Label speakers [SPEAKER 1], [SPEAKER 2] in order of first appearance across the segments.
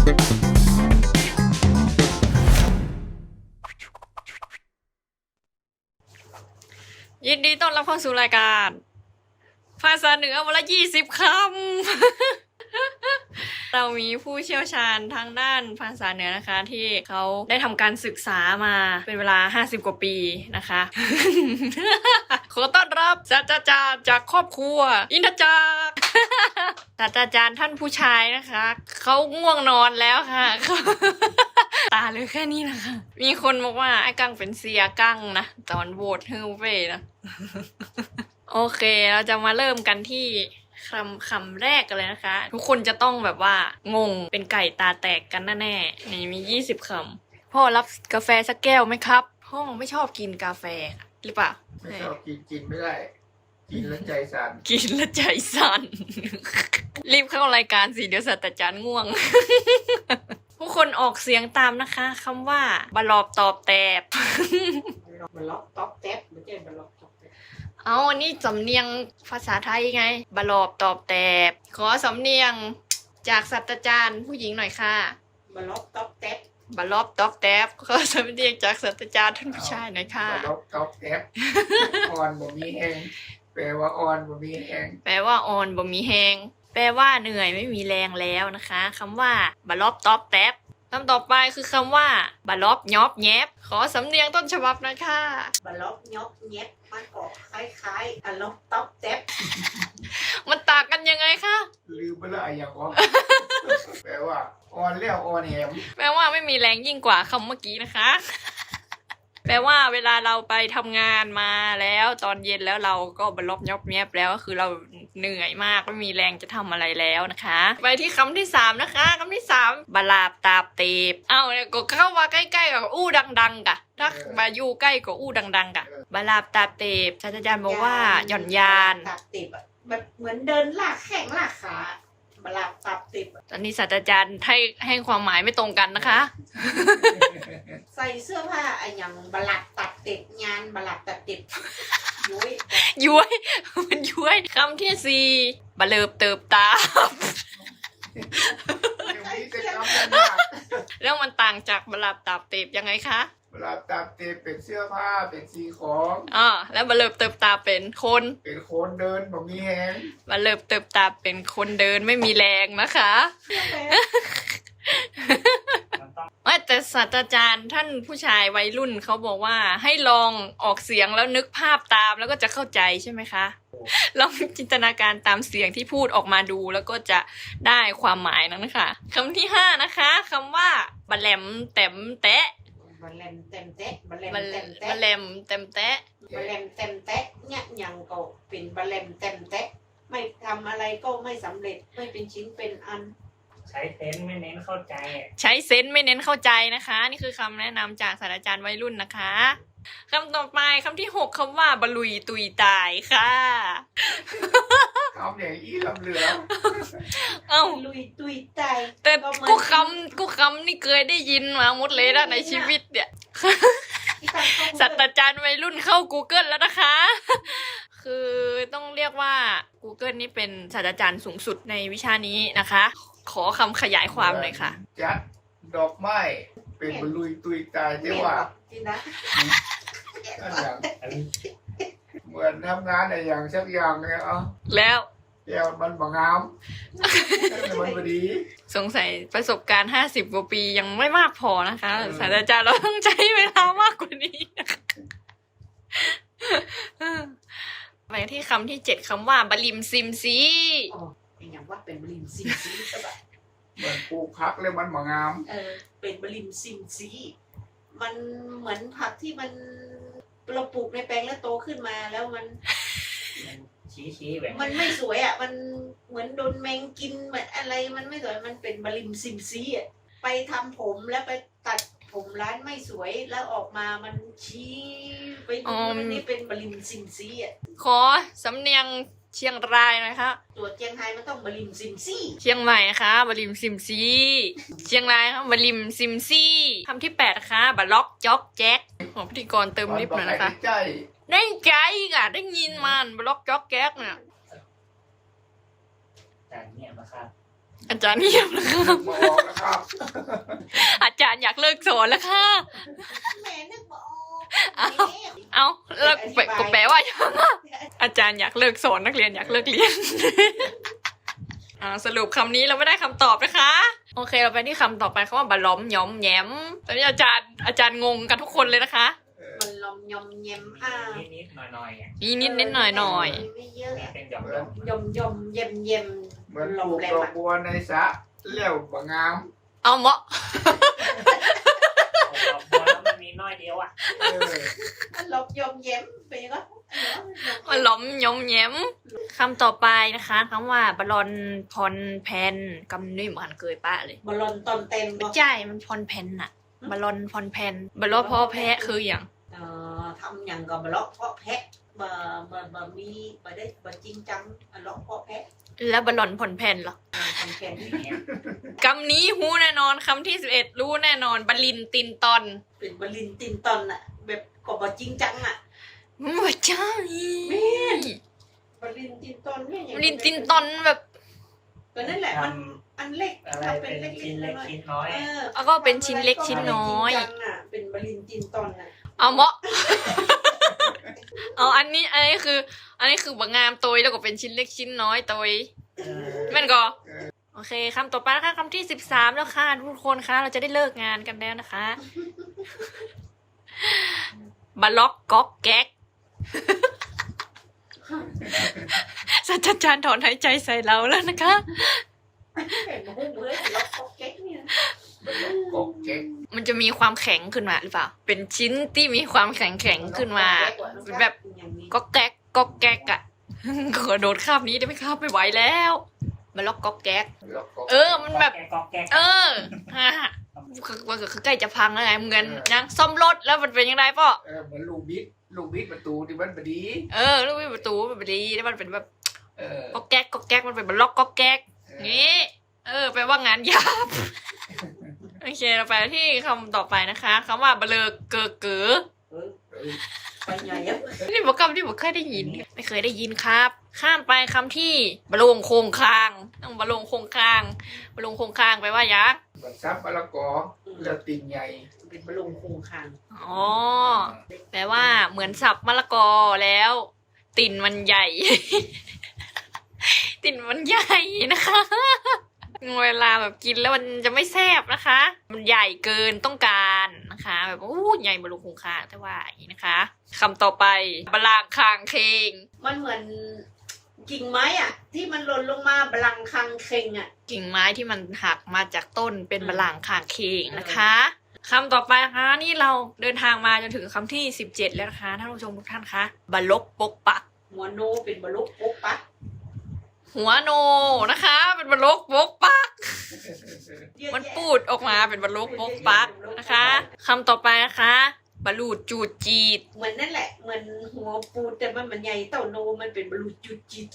[SPEAKER 1] ยินดีต้อนรับเข้าสู่รายการภาษาเหนือวันละ20 คำ เรามีผู้เชี่ยวชาญทางด้านภาษาเหนือนะคะ ที่เขาได้ทำการศึกษามาเป็นเวลา50 กว่าปีนะคะ ขอต้อนรับศาสตราจารย์จากครอบครัวอินทจักร ศาสตราจารย์ท่านผู้ชายนะคะเขาง่วงนอนแล้วค่ะ ตาเลยแค่นี้นะคะ มีคนบอกว่าไอ้กั้งเป็นเสียกั้งนะตอนโหวตฮือเว่นะ โอเคเราจะมาเริ่มกันที่คำแรกกันเลยนะคะ ทุกคนจะต้องแบบว่างงเป็นไก่ตาแตกกันแน่ๆนี่มี20 คำพ่อรับกาแฟสักแก้วไหมครับพ่อไม่ชอบกินกาแฟหรือเปล่า
[SPEAKER 2] ไม่ชอบกินไม่ได้ กินแล้วใจสั่น
[SPEAKER 1] กินแล้วใจสั่น รีบเข้ารายการสิเดี๋ยวศาสตราจารย์ง่วง ผู้คนออกเสียงตามนะคะคำว่าบลอบตอบแตบ
[SPEAKER 3] บล็อกต๊อกแท็บไม่ใช่บล็อกต๊อกแท็บ
[SPEAKER 1] เอาอันนี้สำเนียงภาษาไทยไงบลอบตอบแตบ ขอสำเนียงจากศาสตราจารย์ผู้หญิงหน่อยค่ะ
[SPEAKER 3] บล็อกต๊อกแท็บบ
[SPEAKER 1] ลอบตอบแตบ ขอสำเนียงจากศาสตราจารย์ท่านผู้ชายหน่อยค่ะ
[SPEAKER 2] ล็อกต๊อกแอปอ่อนบ่มีแห้งแปลว่าอ่อนบ่มีแห้ง
[SPEAKER 1] แปลว่าอ่อนบ่มีแหงแปลว่าเหนื่อยไม่มีแรงแล้วนะคะคำว่าบลอบตอบแตบคำต่อไปคือคำว่าบลอบยอบแยบ ขอสำเนียงต้นฉบับหนะคะ
[SPEAKER 3] บล็อกยกเย็บมันออกคล้ายๆบล็อกต๊อกแท็บ
[SPEAKER 1] มันต่างกันยังไงคะ
[SPEAKER 2] ลืมไปและอย่างอ่อนแปลว่าอ่อนแล้วอ่อนแหม
[SPEAKER 1] แปลว่าไม่มีแรงยิ่งกว่าคำเมื่อกี้นะคะ แปลว่าเวลาเราไปทำงานมาแล้วตอนเย็นแล้วเราก็บรรลบยอบแยบแล้วก็คือเราเหนื่อยมากไม่มีแรงจะทำอะไรแล้วนะคะ ไปที่คำที่3นะคะคำที่3บลาบตาบเตบเอาเนี่ยก็เข้ามาใกล้ๆกับอู้ดังๆกะถ้ามาอยู่ใกล้กับอู้ดังๆกะบลาบตาบเตบศาสตราจารย์บอกว่าหย่อนยาน
[SPEAKER 3] ตับติบอะแบบเหมือนเดินลากแข้งลากขาบลับตับติบอะ
[SPEAKER 1] ตอนนี้ศาสตราจารย์ให้ความหมายไม่ตรงกันนะคะ
[SPEAKER 3] ใส่เสื้อผ้าไอ้อย่างบลับตับติบงานบลับตับติบยุ้ย
[SPEAKER 1] ย้วย มันย้วยคำที่4บะเลิบเติบตา
[SPEAKER 2] อย่างนี้จะจำได้มาก
[SPEAKER 1] แล้วมันต่างจากบลาบตาบเตบยังไงคะ
[SPEAKER 2] เวลาตามเตะเป็นเสื้อผ้าเป็นสีของ
[SPEAKER 1] แล้วบะเลิบเติบตาเป็นคน
[SPEAKER 2] เป็นคนเดินบ่มีแห้ง
[SPEAKER 1] บะเลิบเติบตาเป็นคนเดินไม่มีแรงนะคะแต่ศาสตราจารย์ท่านผู้ชายวัยรุ่นเขาบอกว่าให้ลองออกเสียงแล้วนึกภาพตามแล้วก็จะเข้าใจใช่ไหมคะ ลองจินตนาการตามเสียงที่พูดออกมาดูแล้วก็จะได้ความหมายนั้นนะคะคำที่5นะคะคำว่าบะแหลมแต้มแตะ
[SPEAKER 3] บลเลมเต็มเตะบลเลม
[SPEAKER 1] บะ
[SPEAKER 3] เต็มเตะ
[SPEAKER 1] แหลมแต้มแตะ
[SPEAKER 3] บลเลมเต็มเตะเนี่ยยังก็เป็นบลเลมเต็มเตะไม่ทำอะไรก็ไม่สำเร็จไม่เป็นชิ้นเป็นอัน
[SPEAKER 4] ใช้เซนส์ไม่เน้นเข้าใจอะ
[SPEAKER 1] ใช้เซนส์ไม่เน้นเข้าใจนะคะ นี่คือคำแนะนำจากศาสตราจารย์วัยรุ่นนะคะคำต่อไปคำที่6คำว่าบะลุยตุยตายค่ะ
[SPEAKER 2] คำอย่างอีลำเหลือ
[SPEAKER 1] เอ้า
[SPEAKER 3] ลุยตุยใจ
[SPEAKER 1] แต่
[SPEAKER 3] ก็เหมือน
[SPEAKER 1] กูคำนี่เคยได้ยินมาหมดเลยนะในชีวิตเนี่ย
[SPEAKER 3] ที่ตั้งข้อมูล
[SPEAKER 1] ศาสตราจารย์วัยรุ่นเข้า Google แล้วนะคะ คือต้องเรียกว่า Google นี่เป็นศาสตราจารย์สูงสุดในวิชานี้นะคะ ขอคำขยายความหน่อยค่ะ
[SPEAKER 2] จัดดอกไม้เป็นบรรลุยตุยตายแต่ว่า
[SPEAKER 3] ที่นะ
[SPEAKER 2] อันอย่าง
[SPEAKER 4] อันนี้
[SPEAKER 2] เหมือนทำงานอะไรอย่างสักอย่างเนี่ย
[SPEAKER 1] แล้ว
[SPEAKER 2] แก้วมันบ่งามมันบ่ดี
[SPEAKER 1] สงสัยประสบการณ์50 กว่าปียังไม่มากพอนะคะ ศาสตราจารย์เราต้องใช้เวลามากกว่านี้นะคะไปที่คำที่7คำว่าบลิมซิมซี
[SPEAKER 3] อ๋อเป็นอย่างว่าเป็นบริมซิมซีก็แบบ
[SPEAKER 2] เหมือนปลูกพักแล้วมันบ่งาม
[SPEAKER 3] เป็นบริมซิมซีมันเหมือนผักที่มันเราปลูกในแปลงแล้วโตขึ้นมาแล้วมัน
[SPEAKER 4] มันชี้แบบ
[SPEAKER 3] มันไม่สวยอ่ะมันเหมือนโดนแมงกินเหมือนอะไรมันไม่สวยมันเป็นบริมซิมซีอ่ะไปทำผมแล้วไปตัดผมร้านไม่สวยแล้วออกมามันชี้ไปดูมันนี่เป็นบริมซิมซีอ่ะ
[SPEAKER 1] ขอสำเนียงเชียงรายหนะคะ
[SPEAKER 3] ตัวเจียงไฮ้มันต้องบริมซิมซี
[SPEAKER 1] เชียงใหม่นะคะบลิมซิมซีเชียงรายค่ะบลิมซิมซีคำที่8นะคะบล็อกจ็อกแจ็คของพิธีกรเติมลิฟต์หน่อยนะคะ
[SPEAKER 2] ใจ
[SPEAKER 1] ได้ใจอ่ะได้ยินมันบล็อกจ็อกแจ็คเนี่ย
[SPEAKER 4] จานเนี่ยมาครับ
[SPEAKER 1] อาจารย์เงียบแล้วค่ะ
[SPEAKER 2] มาออกแล้วครับ
[SPEAKER 1] อาจารย์อยากเลิกสอนแล้วค่ะ
[SPEAKER 3] แม่นึกบ่ออก
[SPEAKER 1] เอาแล้วก็แปลว่ายังอาจารย์อยากเลิกสอนนักเรียนอยากเลิกเรียน สรุปคำนี้เราไม่ได้คำตอบนะคะ โอเคเราไปที่คำต่อไปคำว่าบะล้อมย้อมแย้มตอนนี้อาจารย์งงกันทุกคนเลยนะคะ
[SPEAKER 3] มันลมยมเย็ม
[SPEAKER 4] นิดๆหน่อยๆอ่ะ
[SPEAKER 1] นิดหน่อย
[SPEAKER 3] ไม่เยอะ
[SPEAKER 4] เป็นหยอก
[SPEAKER 3] ยมยมเย็มเย็ม
[SPEAKER 2] เหมือนปลูกดอกบัวในสระเลี้ยวบางงาม
[SPEAKER 1] เอาเหมาะ
[SPEAKER 4] ๆดอกบัวแล้วมันมีน้อยเดียวอ่ะ
[SPEAKER 2] เออ
[SPEAKER 3] ลมยมเย็มไปก็
[SPEAKER 1] บะล้อมย้อมแย้มคำต่อไปนะคะคำว่าบะลอนพรแพนกำนี่เหมือนเคยป้าเลย
[SPEAKER 3] บอลลอนตอนเต็ม
[SPEAKER 1] ไม่ใช่มันพรแพนอะบะลอนพรแพนบะล้อพ่อแพะคืออย่าง
[SPEAKER 3] ทำอย่างกับบล็อกเพาะแพะบะมีบะได้บะจริงจังล็อกเพาะแพะ
[SPEAKER 1] แล้วบะลอนพรแพนเหรอ
[SPEAKER 3] ทำแค่นี้
[SPEAKER 1] คำนี้ฮู้แน่นอนคำที่11รู้แน่นอนบลินตินตอน
[SPEAKER 3] เป็นบลินตินตอนอะแบบก็บะจริงจังอะ
[SPEAKER 1] ไม่ใช่
[SPEAKER 3] บลินตินตอนเนี่ย
[SPEAKER 1] บลินตินตอนแบบ
[SPEAKER 3] ก็นั่นแหละมันอันเล็ก
[SPEAKER 4] อะไรเป็นชิ้นเล็กชิ้นน้อย
[SPEAKER 1] แล้วก็เป็นชิ้นเล็กชิ้นน้อย
[SPEAKER 3] เป็นบลินตินตอนอะ
[SPEAKER 1] เอาเหมาะ เอาอันนี้คือบางงามตัวแล้วก็เป็นชิ้นเล็กชิ้นน้อยตัวแม่นก็โอเคคำต่อไปนะคะคำที่13แล้วค่ะทุกคนคะเราจะได้เลิกงานกันแล้วนะคะบล็อกก๊อกแก๊กศาสตราจารย์ถอนหายใจใส่เราแล้วนะคะ
[SPEAKER 3] เห็นมันเบื่อล็อกเก๊กเนี่ย
[SPEAKER 2] กบเจ๊ก
[SPEAKER 1] มันจะมีความแข็งขึ้นมาหรือเปล่าเป็นชิ้นที่มีความแข็งขึ้นมาเป็นแบบก๊อกแก๊กก๊อกแก๊กอะ ขอโดดข้ามนี้ได้ไหมครับไม่ไหวแล้วบล็อกก๊อกแก๊ก
[SPEAKER 2] แล้วก็
[SPEAKER 1] มันแบบ
[SPEAKER 4] กอกแกก
[SPEAKER 1] มันก็คือใกล้จะพังแล้วไงเหมือนยังซ่อมรถแล้วมันเป็นยังไงป่ะ
[SPEAKER 2] เหมือนลูกบิดประตูที่มันบดี
[SPEAKER 1] ลูกวิประตูมันเป็นดีแล้วมันเป็นแบบ
[SPEAKER 2] เออ
[SPEAKER 1] ก๊อกแก๊กก๊อกแก๊กมันเป็นบล็อกก๊อกแก๊กงี้แปลว่างานหยาบ โอเคเราไปที่คำต่อไปนะคะคำว่าเบลอเกอเก๋อ
[SPEAKER 3] ไปใหญ่อะ
[SPEAKER 1] นี่บอกคำที่บอกเคยได้ยิน ไม่เคยได้ยินครับ ข้ามไปคำที่บะโลงโคงคางต้องบะโลงโคงคางบะโลงโคงคางไปลว่ายักษ์
[SPEAKER 2] บัดซับมะละกอแล้วติ่งใหญ่
[SPEAKER 3] เป็นบอลลูนโคงคาง
[SPEAKER 1] อ๋อแปลว่าเหมือนสับมะละกอแล้ว ติ่นมันใหญ่ ติ่นมันใหญ่นะคะ เวลาแบบกินแล้วมันจะไม่แซ่บนะคะ มันใหญ่เกินต้องการนะคะ แบบใหญ่บะลุงคงคางแต่ว่าอย่างนี้นะคะคำต่อไปบลางคางเคง
[SPEAKER 3] มันเหมือนกิ่งไม้อ่ะ ที่มันหล่นลงมาบลังคังเคงอ่ะ
[SPEAKER 1] กิ่งไม้ที่มันหักมาจากต้นเป็นบลางคางเคงนะคะคำต่อไปนะคะนี่เราเดินทางมาจนถึงคำที่17แล้วนะคะท่านผู้ชมทุกท่านคะบลกปกปัก
[SPEAKER 3] หัวโนเป็นบลุกปุ๊บปะ
[SPEAKER 1] หัวโนนะคะ เป็นบลกปกปัก มันปูดออกมาเป็นบลกปกปักนะคะคำต่อไปนะคะบลูดจูดจีด
[SPEAKER 3] เหมือนนั่นแหละเหมือนหัวปูแต่มันใหญ่เต่าโนมันเป็นบลูจุดจิต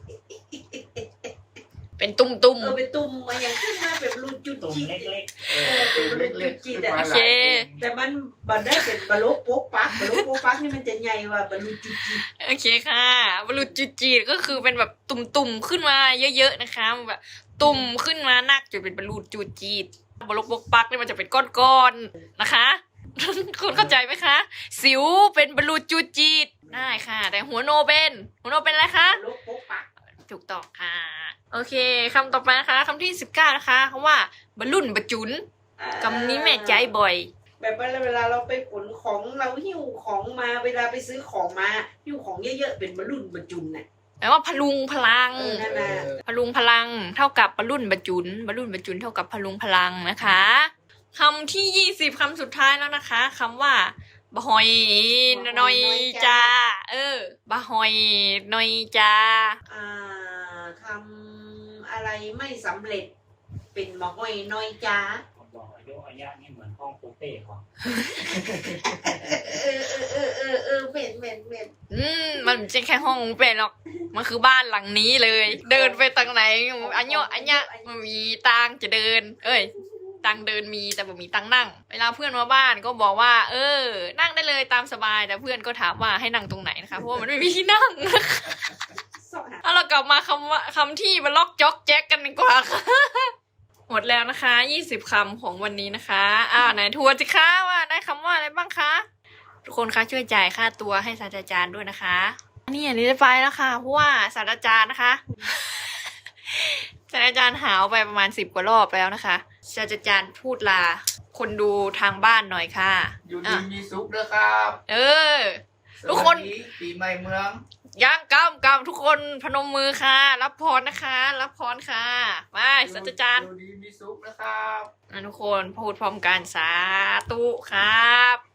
[SPEAKER 1] เป็นตุ้ม
[SPEAKER 3] เป็นตุ่มมาอย่างขึ้นมาเป็นบลูจุด
[SPEAKER 4] ตุ่ม
[SPEAKER 3] จิต
[SPEAKER 4] เล็ก
[SPEAKER 2] ตัวเล็กๆขึ้นมา
[SPEAKER 1] โอ
[SPEAKER 2] ห
[SPEAKER 1] เค
[SPEAKER 2] ลาย
[SPEAKER 3] แต่มันบันได้เป็นบลุกปุ๊บปักบลุกปุ๊บปักนี่มันจะใหญ่กว่าบลูจุดจิต
[SPEAKER 1] โอเคค่ะบลูดจูดจีดก็คือเป็นแบบตุ่มขึ้นมาเยอะๆนะคะแบบตุ่มขึ้นมานักจนเป็นบลูดจูดจีดบลกปกปักนี่มันจะเป็นก้อนๆนะคะ คุณเข้าใจไหมคะ สิวเป็นบลูดจูดจีดได้ค่ะ แต่หัวโนเป็นอะไรคะ
[SPEAKER 3] บลุกปุ๊บปัก
[SPEAKER 1] ถูกต้องค่ะ โอเคคำต่อไปนะคะคำที่19นะคะคำว่าบรรลุนบรรจุนคำนี้แม่ใจบ่อย
[SPEAKER 3] แบบเวลาเราไปขนของเราหิ้วของมาเวลาไปซื้อของมาหิ้วของเยอะๆเป็นบรุ่นบรรจุนน่ะ
[SPEAKER 1] แปลว่าพลุงพลัง
[SPEAKER 3] นั่นน่ะ
[SPEAKER 1] พลุงพลังเท่ากับบรรลุนบรรจุนบรรลุนบรรจุนเท่ากับพลุงพลังนะคะคำที่20คำสุดท้ายแล้วนะคะคำว่าบะฮอยนอยจาบะฮอยนอยจา
[SPEAKER 3] ทำอะไรไม่สำเร็จ เป็นมะห้อยน้อยจ้า
[SPEAKER 4] ๆบอกอายุอายะนี่เหมือนห้องปูเป้ของ
[SPEAKER 3] เป็น
[SPEAKER 1] มันไม่ใช่แค่ห้องเป็นหรอกมันคือบ้านหลังนี้เลย เดินไปทางไหนอันเนี้ยมันมีตังจะเดิน ตังเดินมีแต่บ่มีตังนั่ง เวลาเพื่อนมาบ้านก็บอกว่า นั่งได้เลยตามสบายแต่เพื่อนก็ถามว่าให้นั่งตรงไหนนะคะเพราะว่ามันไม่มีที่นั่ง
[SPEAKER 3] สองหา
[SPEAKER 1] เอาเราเรากลับมาคำที่มาล็อกจ๊อกแจ๊กกันดีกว่าค่ะ หมดแล้วนะคะ20 คำของวันนี้นะคะไหนทวนสิคะว่าได้คำว่าอะไรบ้างคะทุกคนคะช่วยจ่ายค่าตัวให้ศาสตราจารย์ด้วยนะคะนี่อันนี้ได้ไปแล้วค่ะเพราะว่าศาสตราจารย์นะคะ ศาสตราจารย์หาวไปประมาณ10 กว่ารอบแล้วนะคะศาสตราจารย์พูดลาคนดูทางบ้านหน่อยค่ะ
[SPEAKER 2] อยู่ดีมีสุขเด้อครับ
[SPEAKER 1] ทุกคน
[SPEAKER 2] สวัสดีปีใหม่เมือง
[SPEAKER 1] ย่างกำทุกคนพนมมือค่ะ รับพรนะคะ รับพรค่ะมาศาสตราจารย์
[SPEAKER 2] อยู่ดีมีสุขนะครับ
[SPEAKER 1] ทุกคนพูดพร้อมกันสาธุครับ